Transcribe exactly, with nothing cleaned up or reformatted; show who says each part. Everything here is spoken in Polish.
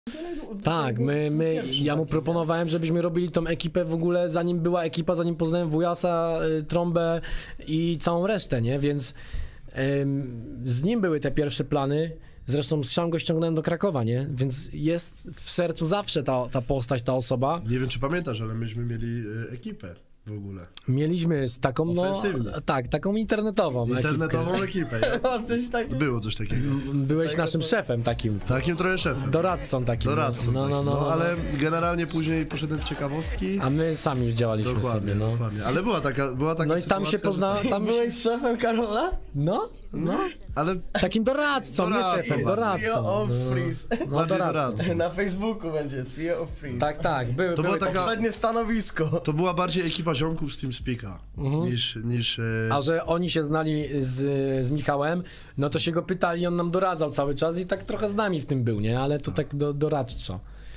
Speaker 1: Tak, my, my, ja mu proponowałem, żebyśmy robili tą ekipę w ogóle, zanim była ekipa, zanim poznałem Wujasa, y, Trąbę i całą resztę, nie? Więc ym, z nim były te pierwsze plany. Zresztą sam go ściągnąłem do Krakowa, nie? Więc jest w sercu zawsze ta, ta postać, ta osoba.
Speaker 2: Nie wiem, czy pamiętasz, ale myśmy mieli y, ekipę w ogóle.
Speaker 1: Mieliśmy z taką, no,
Speaker 2: Ofensywnie.
Speaker 1: tak, taką internetową
Speaker 2: Internetową ekipę. nie?
Speaker 3: O, coś takiego.
Speaker 2: Było coś takiego.
Speaker 1: Byłeś naszym szefem takim,
Speaker 2: Takim trochę szefem.
Speaker 1: doradcą takim.
Speaker 2: Doradcą.
Speaker 1: No, no, no,
Speaker 2: no,
Speaker 1: no,
Speaker 2: ale generalnie później poszedłem w ciekawostki.
Speaker 1: A my sami już działaliśmy
Speaker 2: Dokładnie,
Speaker 1: sobie, no.
Speaker 2: dokładnie. Ale była taka, była taka
Speaker 1: No i tam się
Speaker 2: sytuacja,
Speaker 1: pozna,
Speaker 2: że-
Speaker 1: tam
Speaker 3: Byłeś szefem Karola?
Speaker 1: No, no.
Speaker 2: Ale
Speaker 1: Takim doradcą, nie
Speaker 2: Doradcą,
Speaker 1: szefem,
Speaker 2: C E
Speaker 3: C E
Speaker 1: doradcą.
Speaker 3: O of
Speaker 1: No,
Speaker 3: Freeze.
Speaker 1: no
Speaker 2: bardziej
Speaker 1: doradcą.
Speaker 2: doradcą.
Speaker 3: Na Facebooku będzie C E O of Freeze.
Speaker 1: Tak, tak, były,
Speaker 2: To
Speaker 1: były
Speaker 2: była taka-
Speaker 3: Poprzednie stanowisko.
Speaker 2: To była bardziej ekipa ziomków z TeamSpeaka niż... niż e,
Speaker 1: A że oni się znali z, z Michałem, no to się go pytali, on nam doradzał cały czas i tak trochę z nami w tym był, nie? Ale to tak do, doradczo.